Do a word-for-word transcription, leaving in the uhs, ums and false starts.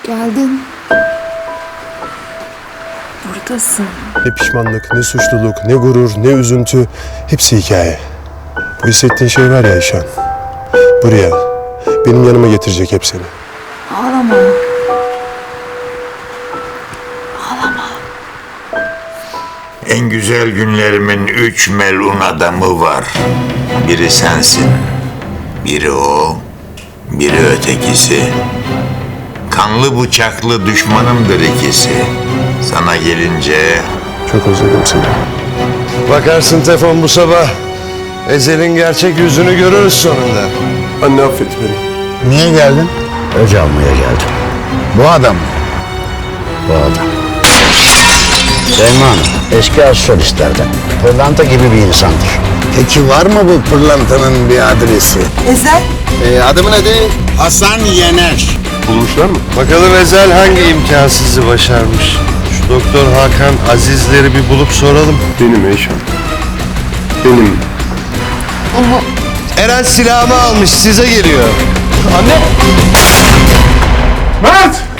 Geldin. Buradasın. Ne pişmanlık, ne suçluluk, ne gurur, ne üzüntü. Hepsi hikaye. Bu hissettiğin şey var ya Ayşen. Buraya, benim yanıma getirecek hep seni. Ağlama. Ağlama. En güzel günlerimin üç melun adamı var. Biri sensin, biri o, biri ötekisi. Kanlı bıçaklı düşmanımdır ikisi. Sana gelince Çok özledim seni. Bakarsın Tefon bu sabah. Ezel'in gerçek yüzünü görürüz sonunda. Anne affet beni. Niye geldin? Öc almaya geldim. Bu adam mı? Bu adam. Selma Hanım, eski astrolistlerden. Pırlanta gibi bir insandır. Peki var mı bu pırlantanın bir adresi? Ezel. Ee, adımı nedir? Hasan Yener. Bulmuşlar mı? Bakalım Ezel hangi imkansızı başarmış. Şu Doktor Hakan Azizleri bir bulup soralım. Benim Ayşen. Benim. Eren silahımı almış, size geliyor. Mert!